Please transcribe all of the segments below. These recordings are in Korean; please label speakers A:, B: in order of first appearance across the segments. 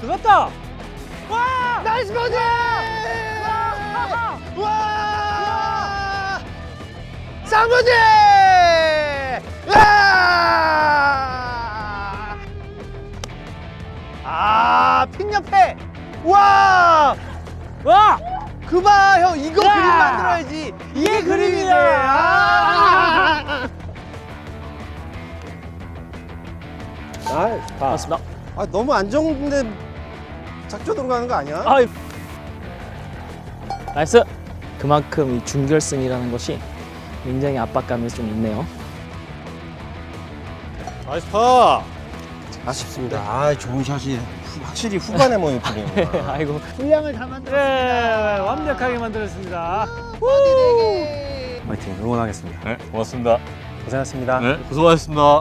A: 들었다. 와!
B: 나이스 버디! 와! 쌍버디! 핀 옆에! 와!
A: 와!
B: 그봐 형 이거
A: 야!
B: 그림 만들어야지. 이게 그림이지. 좋다.
A: 맞습니다.
B: 너무 안정돼 작전으로 가는 거 아니야?
A: 아, 나이스. 그만큼 이 준결승이라는 것이 굉장히 압박감이 좀 있네요.
B: 나이스 파. 아쉽습니다. 좋은 샷이 확실히 후반에 뭐 예쁘네요.
A: 아이고.
B: 분량을 다 만들었습니다.
A: 네, 완벽하게 만들었습니다.
C: 화이팅 응원하겠습니다.
D: 네, 고맙습니다.
C: 고생하셨습니다.
D: 네, 고생하셨습니다.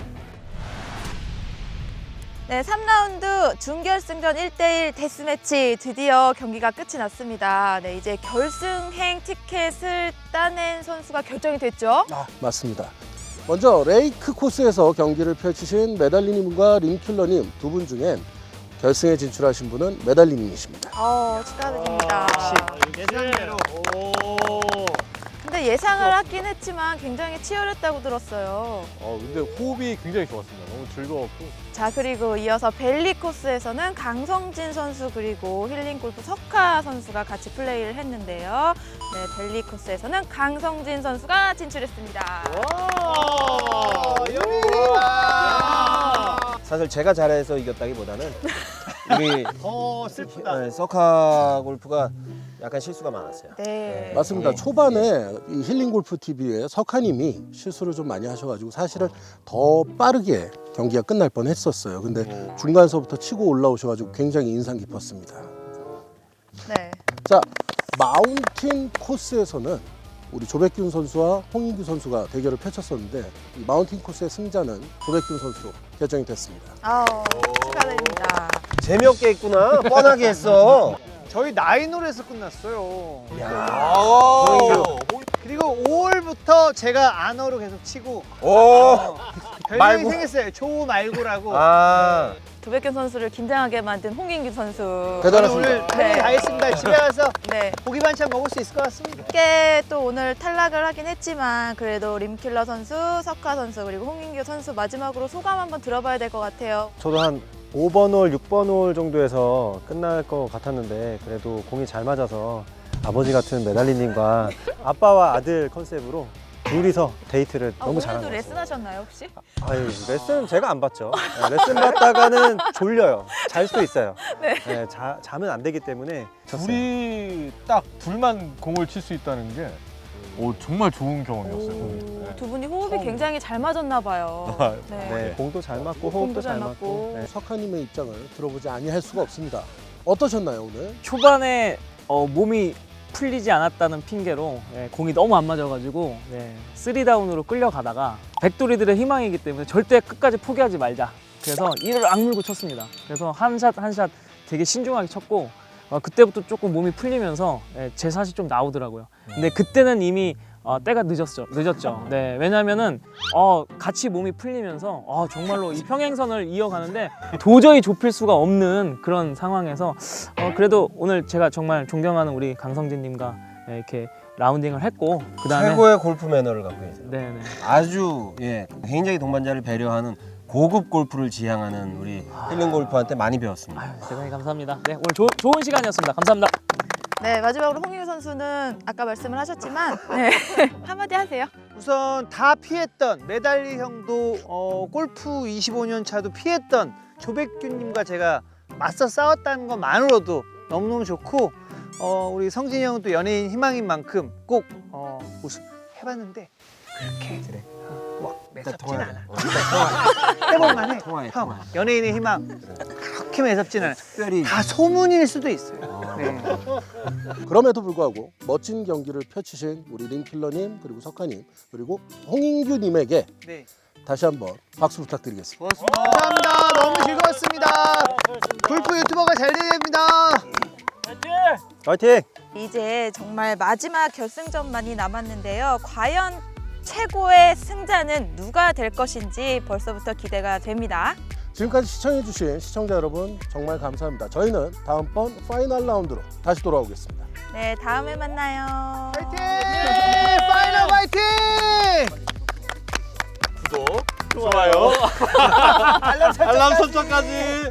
E: 네, 3라운드 준결승전 1대1 데스매치 드디어 경기가 끝이 났습니다. 네, 이제 결승행 티켓을 따낸 선수가 결정이 됐죠.
F: 맞습니다. 먼저 레이크 코스에서 경기를 펼치신 메달리님과 림킬러님 두 분 중엔 결승에 진출하신 분은 메달리님이십니다.
E: 축하드립니다.
B: 예상대로.
E: 근데 예상을 하긴 했지만 굉장히 치열했다고 들었어요.
D: 근데 호흡이 굉장히 좋았습니다. 너무 즐거웠고.
E: 자, 그리고 이어서 벨리 코스에서는 강성진 선수 그리고 힐링 골프 석하 선수가 같이 플레이를 했는데요. 네, 벨리 코스에서는 강성진 선수가 진출했습니다.
B: 사실 제가 잘해서 이겼다기보다는 우리
F: 슬프다.
B: 서카 골프가 약간 실수가 많았어요.
E: 네.
F: 맞습니다.
B: 네.
F: 초반에 이 힐링골프 TV의 석하님이 실수를 좀 많이 하셔가지고 사실은 더 빠르게 경기가 끝날 뻔했었어요. 근데 중간서부터 치고 올라오셔가지고 굉장히 인상 깊었습니다.
E: 네.
F: 자, 마운틴 코스에서는 우리 조백균 선수와 홍인규 선수가 대결을 펼쳤었는데 이 마운틴 코스의 승자는 조백균 선수로 결정이 됐습니다.
E: 축하드립니다.
B: 재미없게 했구나. 뻔하게 했어.
G: 저희 나인홀에서 끝났어요. 그리고 5홀부터 제가 안어로 계속 치고 별명이
B: 말고.
G: 생겼어요. 조말고라고.
E: 조백균 선수를 긴장하게 만든 홍인규 선수.
F: 대단하십니다.
G: 오늘 할일 다 했습니다. 집에 가서
E: 네.
G: 고기 반찬 먹을 수 있을 것 같습니다.
E: 쉽게 또 오늘 탈락을 하긴 했지만 그래도 림킬러 선수, 석하 선수 그리고 홍인규 선수 마지막으로 소감 한번 들어봐야 될 것 같아요.
C: 저도 한 5번 홀, 6번 홀 정도에서 끝날 것 같았는데 그래도 공이 잘 맞아서 아버지 같은 메달리님과 아빠와 아들 컨셉으로 둘이서 데이트를 너무 잘한 것
E: 오늘도
C: 같아요.
E: 레슨 하셨나요 혹시?
C: 아유, 레슨 제가 안 받죠. 네, 레슨 받다가는 졸려요. 잘 수도 있어요.
E: 네.
C: 네, 자면 안 되기 때문에 졌어요.
D: 딱 둘만 공을 칠 수 있다는 게 정말 좋은 경험이었어요. 네.
E: 두 분이 호흡이 굉장히 잘 맞았나 봐요.
C: 네, 공도 잘 맞고
E: 공도
C: 호흡도
E: 잘
C: 잘
E: 맞고.
C: 맞고. 네.
F: 석하님의 입장을 들어보지 아니할 수가 없습니다. 어떠셨나요 오늘?
A: 초반에 몸이 풀리지 않았다는 핑계로 공이 너무 안 맞아가지고 3다운으로 끌려가다가 백돌이들의 희망이기 때문에 절대 끝까지 포기하지 말자. 그래서 이를 악물고 쳤습니다. 그래서 한 샷 한 샷 되게 신중하게 쳤고 그때부터 조금 몸이 풀리면서 제 샷이 좀 나오더라고요. 근데 그때는 이미 때가 늦었죠. 네, 왜냐면은 같이 몸이 풀리면서 정말로 이 평행선을 이어가는데 도저히 좁힐 수가 없는 그런 상황에서 그래도 오늘 제가 정말 존경하는 우리 강성진님과 이렇게 라운딩을 했고 그다음에
B: 최고의 골프 매너를 갖고 계세요.
A: 네네.
B: 아주 굉장히 동반자를 배려하는 고급 골프를 지향하는 우리 힐링 골프한테 많이 배웠습니다.
A: 대단히 감사합니다. 네, 오늘 좋은 시간이었습니다. 감사합니다.
E: 네, 마지막으로 홍인규 선수는 아까 말씀을 하셨지만 한마디 하세요.
G: 우선 다 피했던 메달리 형도 골프 25년 차도 피했던 조백균님과 제가 맞서 싸웠다는 것만으로도 너무너무 좋고 우리 성진이 형은 또 연예인 희망인 만큼 꼭 우승 해봤는데 그렇게 매섭진 않아. 해볼만 해. 형, 연예인의 희망 그렇게 매섭진 않아.
B: 특별히
G: 다 소문일 수도 있어요. 네.
F: 그럼에도 불구하고 멋진 경기를 펼치신 우리 림킬러님 그리고 석하님 그리고 홍인규님에게
G: 네.
F: 다시 한번 박수 부탁드리겠습니다.
G: 감사합니다. 너무 즐거웠습니다. 골프 유튜버가 잘 되야 됩니다.
C: 화이팅!
E: 이제 정말 마지막 결승전만이 남았는데요. 과연 최고의 승자는 누가 될 것인지 벌써부터 기대가 됩니다.
F: 지금까지 시청해주신 시청자 여러분 정말 감사합니다. 저희는 다음번 파이널 라운드로 다시 돌아오겠습니다.
E: 네, 다음에 만나요.
G: 파이팅! 파이널 파이팅!
D: 구독, 좋아요, 알람 설정까지.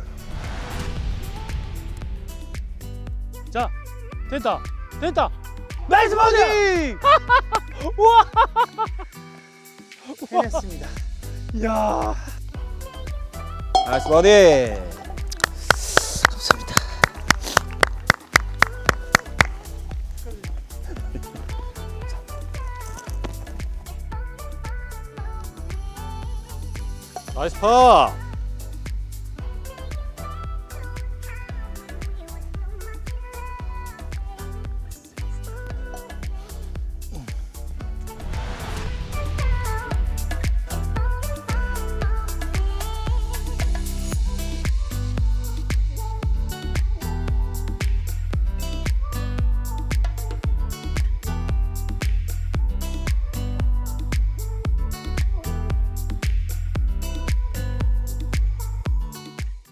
A: 자, 됐다. 됐다.
G: 나이스 버디! 해냈습니다. 이야.
B: 나이스 버디.
D: 나이스 파.